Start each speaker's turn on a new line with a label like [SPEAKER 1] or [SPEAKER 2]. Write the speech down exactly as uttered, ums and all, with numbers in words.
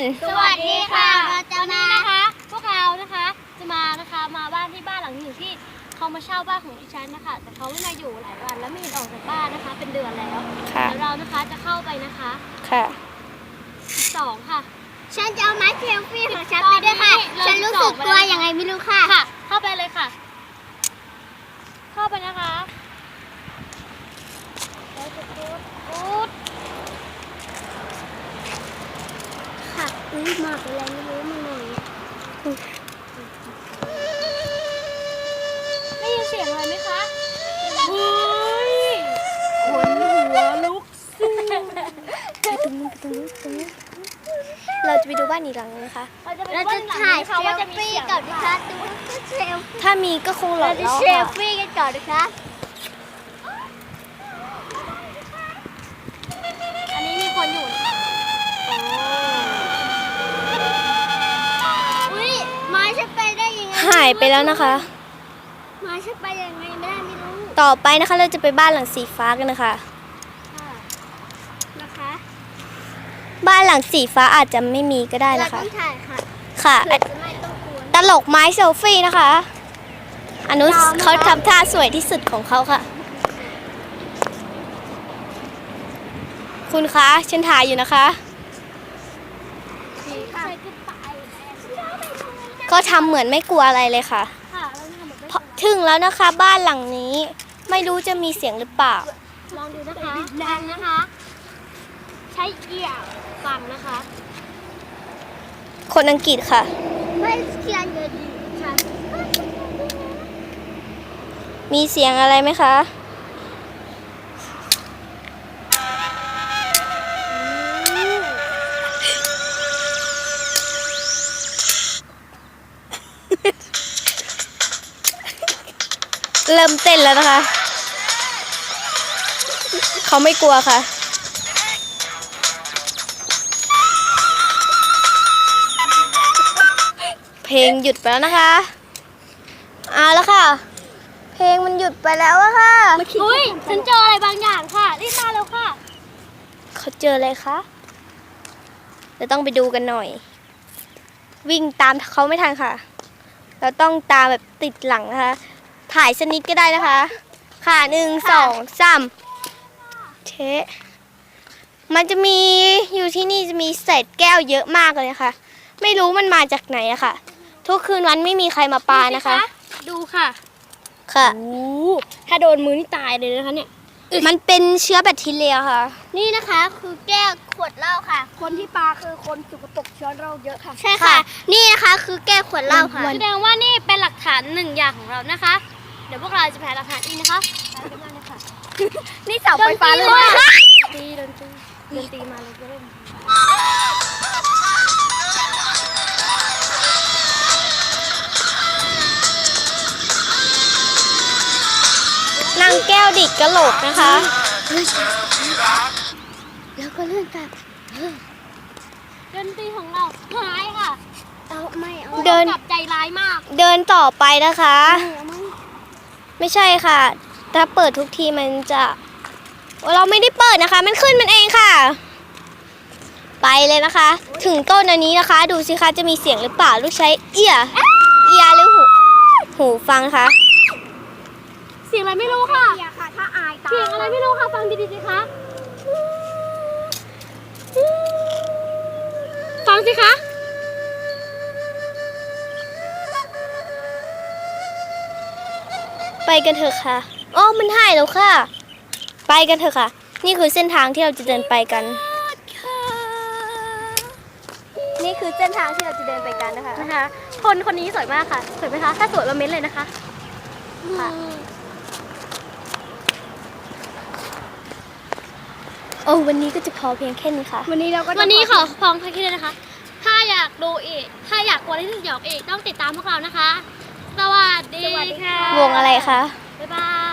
[SPEAKER 1] สวัสดีค่ะเราจะมานะคะพวกเรานะคะจะมานะคะมาบ้านที่บ้านหลังหนึ่งที่เขามาเช่าบ้านของดิฉันนะคะแต่เขาไม่มาอยู่หลายวันแล้วไม่เห็นออกจากบ้านนะคะเป็นเดือนแล้วเดี๋ยวเรานะคะจะเข้าไปนะคะ
[SPEAKER 2] ค่ะ
[SPEAKER 1] สองค่ะ
[SPEAKER 3] ฉันจะเอาไม้เซลฟี่ของฉันไปด้วยค่ะฉันรู้สึกกลัวยังไงไม่รู้ค่ะ
[SPEAKER 1] ค่ะเข้าไปเลยค่ะเข้าไปนะคะ
[SPEAKER 3] ค่ะอุ้ยมาเป็นอะไรไม่รู้มาหน่อย
[SPEAKER 1] ได้ยินเสียงอะไรไหมคะเฮ้ยขนหัวลุกสู้
[SPEAKER 2] ไปตรงนู้นไปตรงนู้นตรงนู้นเราจะไปดูบ้านอีกหลังนึงนะคะ
[SPEAKER 1] เราจะ
[SPEAKER 3] เราจะถ่ายเซลฟี่ก่อนนะคะดูเซลฟี่
[SPEAKER 2] ถ้ามีก็คงหลอ
[SPEAKER 3] เรา
[SPEAKER 2] ด
[SPEAKER 3] จะ
[SPEAKER 2] แล้ว
[SPEAKER 3] เซล
[SPEAKER 2] ค่ะ
[SPEAKER 3] ฟี่กันก่อนนะคะ
[SPEAKER 1] อันนี้มีคนอยู่
[SPEAKER 3] อุ้ยไม้ฉันไปได้ยังไง
[SPEAKER 2] หายไปแล้วนะคะ
[SPEAKER 3] ไม้ฉันไปยังไงไม่ได้ไม่รู้
[SPEAKER 2] ต่อไปนะคะเราจะไปบ้านหลังสีฟ้ากันนะคะ
[SPEAKER 3] นะคะ
[SPEAKER 2] บ้านหลังสีฟ้าอาจจะไม่มีก็ได้
[SPEAKER 3] เรา
[SPEAKER 2] นะคะ
[SPEAKER 3] ต้องถ่ายค่ะ
[SPEAKER 2] ค่ะ
[SPEAKER 3] เผื่อจะไม่ต้องกลัว
[SPEAKER 2] ตลกไม้เซลฟี่นะคะอนุเขาทำท่าสวยที่สุดของเขาค่ะคุณคะฉันถ่ายอยู่นะคะก็ทำเหมือนไม่กลัวอะไรเลยค่ะถึงแล้วนะคะบ้านหลังนี้ไม่รู้จะมีเสียงหรือเปล่า
[SPEAKER 1] ลองดูนะคะฟังนะคะใช้เอี่ยวฟังนะคะ
[SPEAKER 2] คนอังกฤษค่ะ
[SPEAKER 3] ไม่เขียนเลยดีค่ะ
[SPEAKER 2] มีเสียงอะไรไหมคะเริ่มเต้นแล้วนะคะเขาไม่กลัวค่ะเพลงหยุดไปแล้วนะคะเอาแล้วค่ะเพลงมันหยุดไปแล้วอะค่ะ
[SPEAKER 1] อุ้ยฉันเจออะไรบางอย่างค่ะรีบมาแล้วค่ะ
[SPEAKER 2] เขาเจออะไรคะเดี๋ยวต้องไปดูกันหน่อยวิ่งตามเขาไม่ทันค่ะเราต้องตามแบบติดหลังนะคะถ่ายสนิทก็ได้นะคะค่ะหนึ่งสองสามเชะมันจะมีอยู่ที่นี่จะมีเศษแก้วเยอะมากเลยค่ะไม่รู้มันมาจากไหนอะค่ะทุกคืนวันไม่มีใครมาปานะคะ
[SPEAKER 1] ดูค่ะ
[SPEAKER 2] ค่ะ
[SPEAKER 1] โอ้ถ้าโดนมือนี่ตายเลยนะคะเนี่ย
[SPEAKER 2] มันเป็นเชื้อแบคทีเรียค่ะ
[SPEAKER 3] นี่นะคะคือแก้วขวดเหล้าค่ะ
[SPEAKER 1] คนที่ปาคือคนสกปรกเชื้อโรคเยอะค่ะ
[SPEAKER 3] ใช่ค่ะนี่นะคะคือแก้วขวดเหล้าค่ะ
[SPEAKER 1] แสดงว่านี่เป็นหลักฐานหนึ่งอย่างของเรานะคะเดี๋ยวพวกเราจะแผ่หลักฐานอีกนะคะ
[SPEAKER 3] นี่เสาไฟฟ้าเลย
[SPEAKER 1] ดนตรีดนตรีดนตรีมาเลยเล่น
[SPEAKER 2] นางแก้วดิดกระโหลกนะคะ
[SPEAKER 3] แล้วก็เลื่อนกลับ
[SPEAKER 1] ดนตรีของเราหายค่ะ
[SPEAKER 3] เอาไม่เอา
[SPEAKER 1] เดินกลับใจร้ายมาก
[SPEAKER 2] เดินต่อไปนะคะไม่ใช่ค่ะถ้าเปิดทุกทีมันจะเราไม่ได้เปิดนะคะมันขึ้นมันเองค่ะไปเลยนะคะถึงต้นอันนี้นะคะดูสิคะจะมีเสียงหรือเปล่าลูกใช้เอียเอียหรือหูหูฟังคะ
[SPEAKER 1] เสียงอะไรไม่รู้ค่ะ
[SPEAKER 3] เสียงค่ะถ้าอายตา
[SPEAKER 1] เสียงอะไรไม่รู้ค่ะฟังดีๆสิคะฟังสิคะ
[SPEAKER 2] ไปกันเถอะค่ะอ๋อมันหายแล้วค่ะไปกันเถอะค่ะนี่คือเส้นทางที่เราจะเดินไปกันนี่คือเส้นทางที่เราจะเดินไปกันนะคะ
[SPEAKER 1] นะคะคนคนนี้สวยมากค่ะสวยไหมคะถ้าสวยเราเม้นเลยนะคะค่ะ
[SPEAKER 2] โอ้วันนี้ก็จะพอเพียงแค่นี้ค่ะ
[SPEAKER 1] วันนี้เราก็วันนี้ขอพองแค่นี้เลยนะคะถ้าอยากดูอีกถ้าอยากกลัวที่สยองอีกต้องติดตามพวกเรานะคะสวัสดีค่ะ
[SPEAKER 2] วงอะไรคะ
[SPEAKER 1] บ๊ายบาย